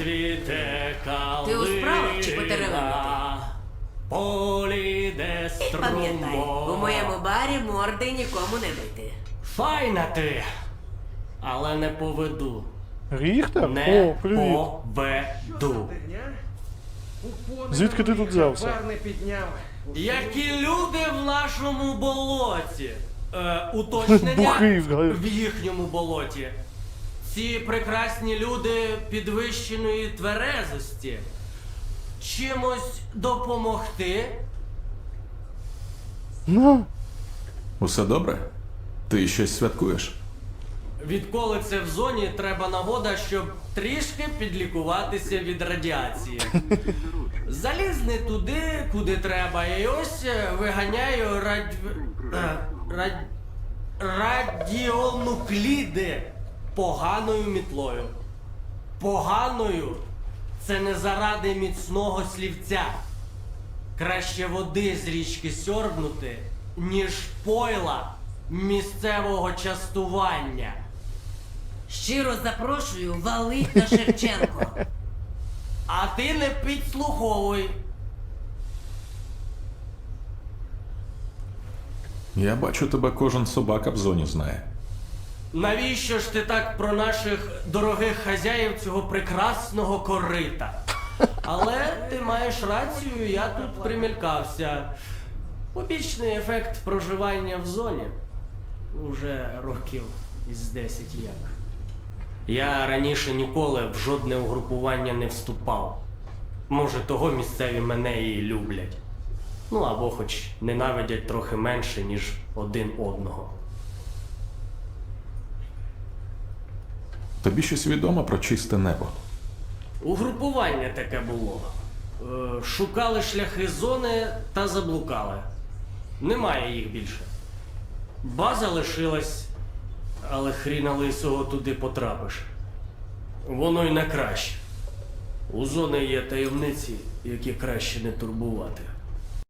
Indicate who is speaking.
Speaker 1: цвіте калина,
Speaker 2: Ти у справах чи потеревенити?
Speaker 1: полі де
Speaker 2: І пам'ятай, у
Speaker 1: струмок.
Speaker 2: моєму барі морди нікому не бити.
Speaker 1: Файна ти, але не поведу.
Speaker 3: Ріхтер?
Speaker 1: Не
Speaker 3: О, привіт.
Speaker 1: поведу.
Speaker 3: Звідки ти тут взявся?
Speaker 4: Бар не підняв.
Speaker 1: Які люди в нашому болоті. Уточнення
Speaker 3: Бухий,
Speaker 1: в їхньому болоті. Ці прекрасні люди підвищеної тверезості. Чимось допомогти?
Speaker 3: Ну,
Speaker 5: Усе добре? Ти щось святкуєш?
Speaker 1: Відколи це в зоні, треба нагода, щоб трішки підлікуватися від радіації. Заліз не туди, куди треба, і ось виганяю радіонукліди поганою мітлою. Поганою – це не заради міцного слівця. Краще води з річки сьорбнути, ніж пойла місцевого частування.
Speaker 2: Щиро запрошую валить на Шевченко.
Speaker 1: А ти не підслуховуй.
Speaker 5: Я бачу, тебе кожен собака в зоні знає.
Speaker 1: Навіщо ж ти так про наших дорогих хазяїв цього прекрасного корита? Але ти маєш рацію, я тут примількався. Побічний ефект проживання в зоні. Уже років із 10 як. Я раніше ніколи в жодне угрупування не вступав. Може, того місцеві мене і люблять. Ну або хоч ненавидять трохи менше, ніж один одного.
Speaker 5: Тобі щось відомо про чисте небо?
Speaker 1: Угрупування таке було. Шукали шляхи зони та заблукали. Немає їх більше. База лишилась, але хріна лисого туди потрапиш. Воно й не краще. У зони є таємниці, які краще не турбувати.